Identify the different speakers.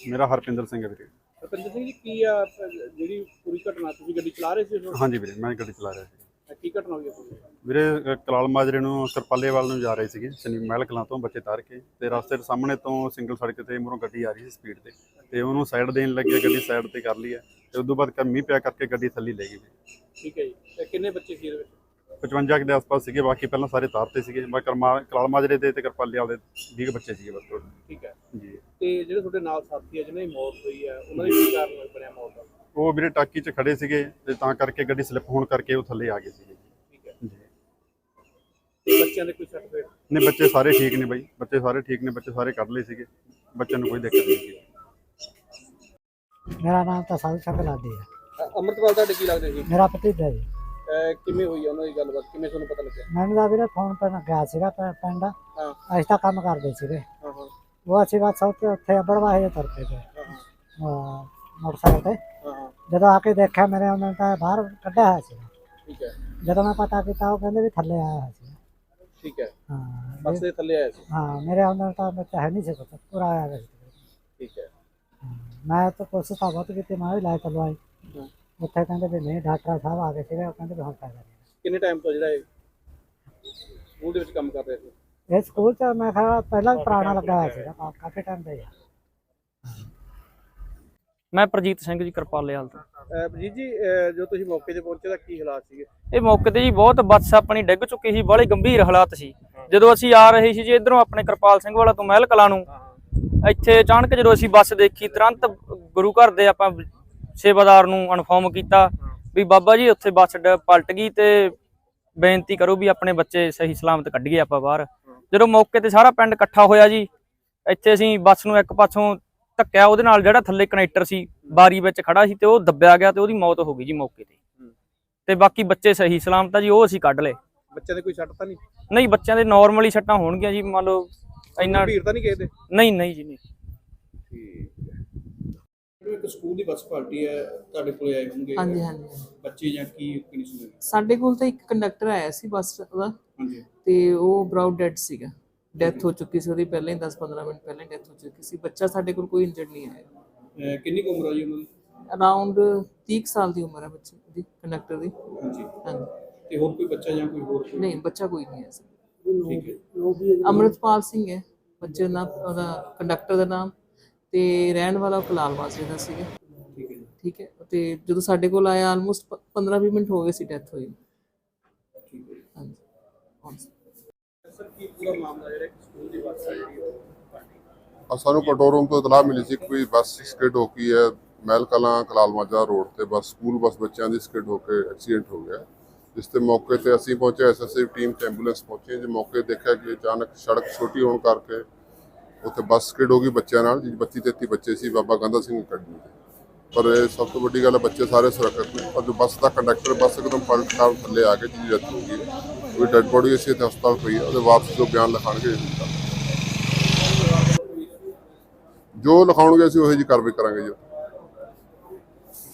Speaker 1: ਮੇਰਾ ਹਰਪਿੰਦਰ ਸਿੰਘ ਹੈ ਵੀਰੇ।
Speaker 2: ਹਰਪਿੰਦਰ ਸਿੰਘ ਜੀ, ਕੀ ਆ ਜਿਹੜੀ ਪੂਰੀ ਘਟਨਾ, ਤੁਸੀਂ ਗੱਡੀ ਚਲਾ ਰਹੇ ਸੀ ਉਸ ਵਕਤ?
Speaker 1: ਹਾਂਜੀ ਵੀਰੇ, ਮੈਂ ਗੱਡੀ ਚਲਾ ਰਿਹਾ ਸੀ।
Speaker 2: ਕੀ ਘਟਨਾ ਹੋਈ ਹੈ
Speaker 1: ਵੀਰੇ ਕਲਾਲ ਮਾਜਰੇ ਨੂੰ ਕਰਪਾਲੇਵਾਲ ਨੂੰ ਜਾ ਰਹੇ ਸੀਗੇ, ਸ਼ਨੀ ਮਹਿਲ ਕਲਾਂ ਤੋਂ ਬੱਚੇ ਤਾਰ ਕੇ, ਤੇ ਰਸਤੇ ਦੇ ਸਾਹਮਣੇ ਤੋਂ ਸਿੰਗਲ ਸੜਕ ਤੇ ਮੂਹਰੋਂ ਗੱਡੀ ਆ ਰਹੀ ਸੀ ਸਪੀਡ ਤੇ ਉਹਨੂੰ ਸਾਈਡ ਦੇਣ ਲੱਗੇ, ਗੱਡੀ ਸਾਈਡ ਤੇ ਕਰ ਲਈ ਹੈ ਤੇ ਉਸ ਤੋਂ ਬਾਅਦ ਮੀਂਹ ਪਿਆ ਕਰਕੇ ਗੱਡੀ ਥੱਲੇ ਲੈ ਗਈ।
Speaker 2: ਠੀਕ ਹੈ ਜੀ, ਤੇ ਕਿੰਨੇ ਬੱਚੇ ਸੀ ਇਹਦੇ ਵਿੱਚ?
Speaker 1: 55 ਦੇ ਆਸ-ਪਾਸ ਸੀਗੇ, ਬਾਕੀ ਪਹਿਲਾਂ ਸਾਰੇ ਤਾਰ ਤੇ ਸੀਗੇ। ਮੈਂ ਕਲਾਲ ਮਾਜਰੇ ਦੇ ਤੇ ਕਰਪਾਲੇਵਾਲ ਦੇ 20 ਬੱਚੇ ਸੀਗੇ ਬਸ ਟੋਟਲ।
Speaker 2: ਠੀਕ ਹੈ
Speaker 1: ਜੀ।
Speaker 2: ਤੇ ਜਿਹੜੇ ਤੁਹਾਡੇ ਨਾਲ ਸਾਥੀ ਆ ਜਿਹਨਾਂ ਦੀ ਮੌਤ ਹੋਈ ਹੈ, ਉਹਨਾਂ ਦੀ ਕੀ ਕਾਰਨ ਬਣਿਆ ਮੌਤ ਦਾ?
Speaker 1: ਉਹ ਵੀਰੇ ਟਾਕੀ 'ਚ ਖੜੇ ਸੀਗੇ ਤੇ ਤਾਂ ਕਰਕੇ ਗੱਡੀ ਸਲਿੱਪ ਹੋਣ ਕਰਕੇ ਉਹ ਥੱਲੇ ਆ ਗਏ ਸੀਗੇ।
Speaker 2: ਠੀਕ ਹੈ
Speaker 1: ਜੀ।
Speaker 2: ਤੇ ਬੱਚਿਆਂ ਦੇ ਕੋਈ ਸਰਟੀਫਿਕੇਟ?
Speaker 1: ਨਹੀਂ, ਬੱਚੇ ਸਾਰੇ ਠੀਕ ਨੇ ਬਾਈ, ਬੱਚੇ ਸਾਰੇ ਠੀਕ ਨੇ, ਬੱਚੇ ਸਾਰੇ ਕੱਢ ਲਏ ਸੀਗੇ, ਬੱਚਿਆਂ ਨੂੰ ਕੋਈ ਦਿੱਕਤ ਨਹੀਂ ਸੀ।
Speaker 3: मेरा नाम तो साधु शंकर लाडी है।
Speaker 2: ਅੰਮ੍ਰਿਤਪਾਲ ਤੁਹਾਡੇ ਕੀ ਲੱਗਦੇ ਸੀ?
Speaker 3: मेरा भतीजा जी।
Speaker 2: ਕਿਵੇਂ ਹੋਈ ਆ ਉਹਨਾਂ ਦੀ ਗੱਲਬਾਤ, ਕਿਵੇਂ ਤੁਹਾਨੂੰ ਪਤਾ ਲੱਗਿਆ?
Speaker 3: मैंने तो ਵੀਰੇ ਫੋਨ ਪਰ ਗਿਆ ਸੀਗਾ ਪਿੰਡ।
Speaker 2: ਹਾਂ
Speaker 3: ਅਸੀਂ ਤਾਂ ਕੰਮ ਕਰਦੇ ਸੀਗੇ।
Speaker 2: ਹਾਂ ਹਾਂ
Speaker 3: ਉਹ ਅਸੀਂ ਬਸ ਉੱਥੇ ਬੜਵਾਹੇ ਦੇ ਤੁਰ ਪਏ ਤੇ ਮੋਟਰਸਾਈਕਲ ਤੇ।
Speaker 2: ਹਾਂ
Speaker 3: ਜਦੋਂ ਆ ਕੇ ਦੇਖਿਆ ਮੇਰੇ ਉਹਨਾਂ ਨੇ ਤਾਂ ਬਾਹਰ ਕੱਢਿਆ ਹੋਇਆ ਸੀ।
Speaker 2: ਠੀਕ ਹੈ
Speaker 3: ਜਦੋਂ ਮੈਂ ਪਤਾ ਕੀਤਾ ਉਹ ਕਹਿੰਦੇ ਵੀ ਥੱਲੇ ਆਇਆ ਹੋਇਆ ਸੀ।
Speaker 2: ਠੀਕ ਹੈ,
Speaker 3: ਹਾਂ
Speaker 2: ਬੱਸ ਦੇ ਥੱਲੇ ਆਇਆ ਸੀ।
Speaker 3: ਹਾਂ, ਮੇਰੇ ਉਹਨਾਂ ਤਾਂ ਮੈਂ ਹੈ ਨਹੀਂ ਸੀ ਪਤਾ, ਪੂਰਾ ਆਇਆ ਹੋਇਆ ਸੀ।
Speaker 2: ਠੀਕ ਹੈ।
Speaker 3: ਮੈਂ ਤਾਂ ਕੋਸ਼ਿਸ਼ ਤਾਂ ਬਹੁਤ ਕੀਤੀ, ਮੈਂ ਵੀ ਲੈ ਚਲਵਾਈ।
Speaker 2: ਹਾਂ।
Speaker 3: ਉੱਥੇ ਕਹਿੰਦੇ ਵੀ ਨਹੀਂ, ਡਾਕਟਰ ਸਾਹਿਬ ਆ ਗਏ ਸੀਗੇ, ਉਹ ਕਹਿੰਦੇ ਵੀ ਹੁਣ ਫਾਇਦਾ ਨਹੀਂ।
Speaker 2: ਕਿੰਨੇ ਟਾਈਮ ਤੋਂ ਜਿਹੜਾ ਇਹ ਸਕੂਲ ਦੇ ਵਿੱਚ ਕੰਮ ਕਰ ਰਹੇ ਸੀ?
Speaker 3: ਇਹ ਸਕੂਲ ਚ ਮੈਂ ਕਿਹਾ ਪਹਿਲਾਂ ਪੁਰਾਣਾ ਲੱਗਾ ਹੋਇਆ ਸੀਗਾ, ਕਾਫੀ ਟਾਈਮ ਦਾ ਹੀ ਆ।
Speaker 4: ਮੈਂ ਪ੍ਰਜੀਤ ਸਿੰਘ ਜੀ, ਕਰਪਾਲੇਵਾਲ ਤੋਂ।
Speaker 2: ਜੀ ਜੀ, ਜੋ ਤੁਸੀਂ ਮੌਕੇ ਤੇ ਪਹੁੰਚੇ ਤਾਂ ਕੀ ਹਾਲਾਤ ਸੀਗੇ?
Speaker 4: ਇਹ ਮੌਕੇ ਤੇ ਜੀ ਬਹੁਤ ਬੱਸ ਆਪਣੀ ਡਿੱਗ ਚੁੱਕੀ ਸੀ, ਬੜੇ ਗੰਭੀਰ ਹਾਲਾਤ ਸੀ। ਜਦੋਂ ਅਸੀਂ ਆ ਰਹੇ ਸੀ ਜੀ ਇਧਰੋਂ ਆਪਣੇ ਕਿਰਪਾਲ ਸਿੰਘ ਵਾਲਾ ਤੋਂ ਮਹਿਲ ਕਲਾਂ ਨੂੰ, ਇੱਥੇ ਅਚਾਨਕ ਜਦੋਂ ਅਸੀਂ ਬੱਸ ਦੇਖੀ, ਤੁਰੰਤ ਗੁਰੂ ਘਰ ਦੇ ਆਪਾਂ ਸੇਵਾਦਾਰ ਨੂੰ ਇਨਫੋਰਮ ਕੀਤਾ ਵੀ ਬਾਬਾ ਜੀ ਉੱਥੇ ਬੱਸ ਪਲਟ ਗਈ ਤੇ ਬੇਨਤੀ ਕਰੋ ਵੀ ਆਪਣੇ ਬੱਚੇ ਸਹੀ ਸਲਾਮਤ ਕੱਢੀਏ ਆਪਾਂ ਬਾਹਰ। ਜਦੋਂ ਮੌਕੇ ਤੇ ਸਾਰਾ ਪਿੰਡ ਇਕੱਠਾ ਹੋਇਆ ਜੀ, ਇੱਥੇ ਅਸੀਂ ਬੱਸ ਨੂੰ ਇੱਕ ਪਾਸੋਂ ਧੱਕਿਆ, ਉਹਦੇ ਨਾਲ ਜਿਹੜਾ ਥੱਲੇ ਕਨੈਕਟਰ ਸੀ ਬਾਰੀ ਵਿੱਚ ਖੜਾ ਸੀ ਤੇ ਉਹ ਦੱਬਿਆ ਗਿਆ ਤੇ ਉਹਦੀ ਮੌਤ ਹੋ ਗਈ ਜੀ ਮੌਕੇ ਤੇ ਬਾਕੀ ਬੱਚੇ ਸਹੀ ਸਲਾਮਤ ਆ ਜੀ, ਉਹ ਅਸੀਂ ਕੱਢ ਲਏ।
Speaker 2: ਬੱਚਿਆਂ ਦੇ ਕੋਈ ਸੱਟ ਤਾਂ ਨਹੀਂ?
Speaker 4: ਨਹੀਂ, ਬੱਚਿਆਂ ਦੇ ਨਾਰਮਲੀ ਸੱਟਾਂ ਹੋਣਗੀਆਂ ਜੀ, ਮੰਨ ਲਓ ਇੰਨਾ
Speaker 2: ਭੀੜ ਤਾਂ ਨਹੀਂ ਕਿਸੇ ਦੇ?
Speaker 4: ਨਹੀਂ ਜੀ ਨਹੀਂ।
Speaker 2: ਠੀਕ ਹੈ। ਇੱਕ ਸਕੂਲ ਦੀ ਬੱਸ ਪਾਰਟੀ ਹੈ, ਤੁਹਾਡੇ ਕੋਲ ਆਏ ਹੋਣਗੇ?
Speaker 5: ਹਾਂਜੀ ਹਾਂਜੀ।
Speaker 2: ਬੱਚੇ ਜਾਂ ਕੀ ਕੰਡੀਸ਼ਨ?
Speaker 5: ਸਾਡੇ ਕੋਲ ਤਾਂ ਇੱਕ ਕੰਡਕਟਰ ਆਇਆ ਸੀ ਬੱਸ ਦਾ,
Speaker 2: ਹਾਂਜੀ।
Speaker 5: ਤੇ ਉਹ ਬਰਾਊਡ ਡੈਡ ਸੀਗਾ, ਡੈਥ ਹੋ ਚੁੱਕੀ ਸੀ ਉਹਦੀ ਪਹਿਲਾਂ ਹੀ, 10-15 ਮਿੰਟ ਪਹਿਲਾਂ ਡੈਥ ਹੋ ਚੁੱਕੀ ਸੀ। ਬੱਚਾ ਸਾਡੇ ਕੋਲ ਕੋਈ ਇੰਜਰਡ ਨਹੀਂ ਆਇਆ।
Speaker 2: ਕਿੰਨੀ ਕੁ ਉਮਰ ਆ ਜੀ ਉਹਨਾਂ ਦੀ?
Speaker 5: ਅਰਾਊਂਡ 30 ਸਾਲ ਦੀ ਉਮਰ ਹੈ ਬੱਚੇ ਦੀ, ਕੰਡਕਟਰ ਦੀ।
Speaker 2: ਹਾਂਜੀ।
Speaker 5: ਹਾਂਜੀ।
Speaker 2: ਤੇ ਹੋਰ ਕੋਈ ਬੱਚਾ ਜਾਂ ਕੋਈ ਹੋਰ?
Speaker 5: ਨਹੀਂ, ਬੱਚਾ ਕੋਈ ਨਹੀਂ ਹੈ ਸਰ।
Speaker 2: ਠੀਕ ਹੈ।
Speaker 5: ਅੰਮ੍ਰਿਤਪਾਲ ਸਿੰਘ ਹੈ ਬੱਚੇ ਦਾ ਨਾਮ, ਉਹਦਾ ਕੰਡਕਟਰ ਦਾ ਨਾਮ, ਤੇ ਰਹਿਣ ਵਾਲਾ ਕਲਾਲ ਮਾਜਰੇ ਦਾ ਸੀਗਾ।
Speaker 2: ਠੀਕ ਹੈ।
Speaker 5: ਠੀਕ ਹੈ। ਤੇ ਜਦੋਂ ਸਾਡੇ ਕੋਲ ਆਇਆ ਆਲਮੋਸਟ 15-20 ਮਿੰਟ ਹੋ ਗਏ ਸੀ ਡੈਥ ਹੋਈ।
Speaker 2: ਠੀਕ ਹੈ।
Speaker 5: ਹਾਂਜੀ।
Speaker 2: ਸਰ, ਕੀ ਪੂਰਾ ਮਾਮਲਾ ਜਿਹੜਾ ਸਕੂਲ ਦੀ ਬੱਸ ਹੈ
Speaker 6: ਸਾਨੂੰ ਕੰਟਰੋਲ ਰੂਮ ਤੋਂ ਇਤਲਾਹ ਮਿਲੀ ਸੀ ਕਿ ਕੋਈ ਬੱਸ ਸਕਿਡ ਹੋ ਗਈ ਹੈ ਮਹਿਲ ਕਲਾਂ ਕਲਾਲ ਮਾਜਰਾ ਰੋਡ ਤੇ। ਬੱਸ ਸਕੂਲ ਬੱਸ ਬੱਚਿਆਂ ਦੀ ਸਕਿਡ ਹੋ ਕੇ ਐਕਸੀਡੈਂਟ ਹੋ ਗਿਆ, ਜਿਸ ਤੇ ਮੌਕੇ ਤੇ ਅਸੀਂ ਪਹੁੰਚੇ, ਐਸਐਸਏ ਟੀਮ ਤੇ ਐਂਬੂਲੈਂਸ ਪਹੁੰਚੀ। ਜੇ ਮੌਕੇ ਦੇਖਿਆ ਕਿ ਅਚਾਨਕ ਸੜਕ ਛੋਟੀ ਹੋਣ ਕਰਕੇ ਉੱਥੇ ਬੱਸ ਸਕਿਡ ਹੋ ਗਈ ਬੱਚਿਆਂ ਨਾਲ, ਜੀ 32-33 ਬੱਚੇ ਸੀ ਬਾਬਾ ਗੰਦਾ ਸਿੰਘ ਅਕੈਡਮੀ ਦੇ। ਪਰ ਇਹ ਸਭ ਤੋਂ ਵੱਡੀ ਗੱਲ ਹੈ, ਬੱਚੇ ਸਾਰੇ ਸੁਰੱਖਿਅਤ ਨੇ। ਪਰ ਜੋ ਬੱਸ ਦਾ ਕੰਡਕਟਰ, ਬੱਸ ਇੱਕਦਮ ਪਲਟ ਨਾਲ ਥੱਲੇ ਆ ਕੇ ਜਿਹਦੀ ਡੈਥ ਹੋ ਗਈ, ਕੋਈ ਡੈਡ ਬੋਡੀ ਅਸੀਂ ਇੱਥੇ ਹਸਪਤਾਲ ਪਈ ਹੈ, ਉਹਦੇ ਵਾਪਸ ਜੋ ਬਿਆਨ ਲਿਖਾਉਣਗੇ ਜੋ ਲਿਖਾਉਣਗੇ ਅਸੀਂ ਉਹੋ ਜਿਹੀ ਕਾਰਵਾਈ ਕਰਾਂਗੇ ਜੀ।